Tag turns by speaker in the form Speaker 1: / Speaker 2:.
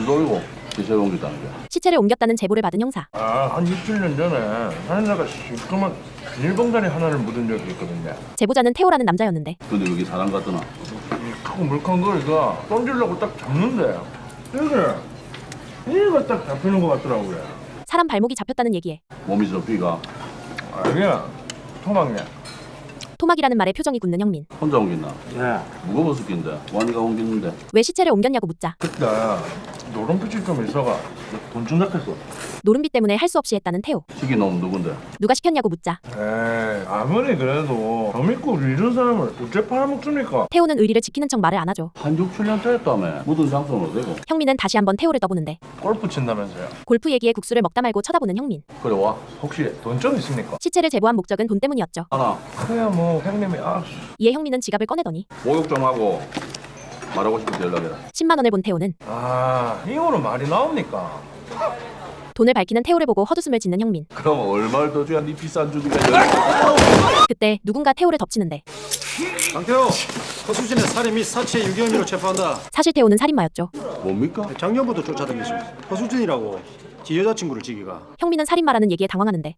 Speaker 1: 돌고 기세를 옮겼다는 게.
Speaker 2: 시체를 옮겼다는 제보를 받은 형사.
Speaker 3: 한 6, 7년 전에 하늘나가 시커먼 비닐봉다리 하나를 묻은 적이 있거든요.
Speaker 2: 제보자는 태호라는 남자였는데
Speaker 1: 근데 여기 사람 같더나.
Speaker 3: 크고 물컹 거리가 던지려고 딱 잡는데 이게 딱 잡히는 것 같더라고요.
Speaker 2: 사람 발목이 잡혔다는 얘기에
Speaker 1: 몸이 접히가
Speaker 3: 아니야, 토막이야.
Speaker 2: 토막이라는 말에 표정이 굳는 형민.
Speaker 1: 혼자 옮겼나?
Speaker 3: 네.
Speaker 1: 무거웠을 낀데 완이가 옮겼는데.
Speaker 2: 왜 시체를 옮겼냐고 묻자
Speaker 3: 그때 노름빛이 좀 있어가 돈 준다했어.
Speaker 2: 노름비 때문에 할 수 없이 했다는 태호.
Speaker 1: 시킨 놈 누군데?
Speaker 2: 누가 시켰냐고 묻자
Speaker 3: 에이, 아무리 그래도 저 믿고 우리 이런 사람을 어째 팔아먹습니까?
Speaker 2: 태호는 의리를 지키는 척 말을 안 하죠.
Speaker 1: 한 6, 7년째 했다며. 묻은 장소는 어디고?
Speaker 2: 형민은 다시 한번 태호를 떠보는데
Speaker 3: 골프 친다면서요?
Speaker 2: 골프 얘기에 국수를 먹다 말고 쳐다보는 형민.
Speaker 1: 그래 와.
Speaker 3: 혹시 돈 좀 있습니까?
Speaker 2: 시체를 제보한 목적은 돈 때문이었죠.
Speaker 1: 하나
Speaker 3: 그야 뭐 형님이
Speaker 2: 이에 형민은 지갑을 꺼내더니
Speaker 1: 목욕 좀 하고 말하고 싶을 때 연락해라.
Speaker 2: 10만 원을 본 태호는
Speaker 3: 이거는 말이 나옵니까?
Speaker 2: 돈을 밝히는 태호를 보고 헛웃음을 짓는 형민.
Speaker 1: 그럼 얼마를 더 줘야 네 비싼 주니까
Speaker 2: 그때 누군가 태호를 덮치는데
Speaker 4: 강태호, 허수진의 살인 및 사체 유기 혐의로 체포한다.
Speaker 2: 사실 태호는 살인마였죠.
Speaker 1: 뭡니까?
Speaker 4: 작년부터 쫓아다니죠. 허수진이라고 지 여자친구를 지기가.
Speaker 2: 형민은 살인마라는 얘기에 당황하는데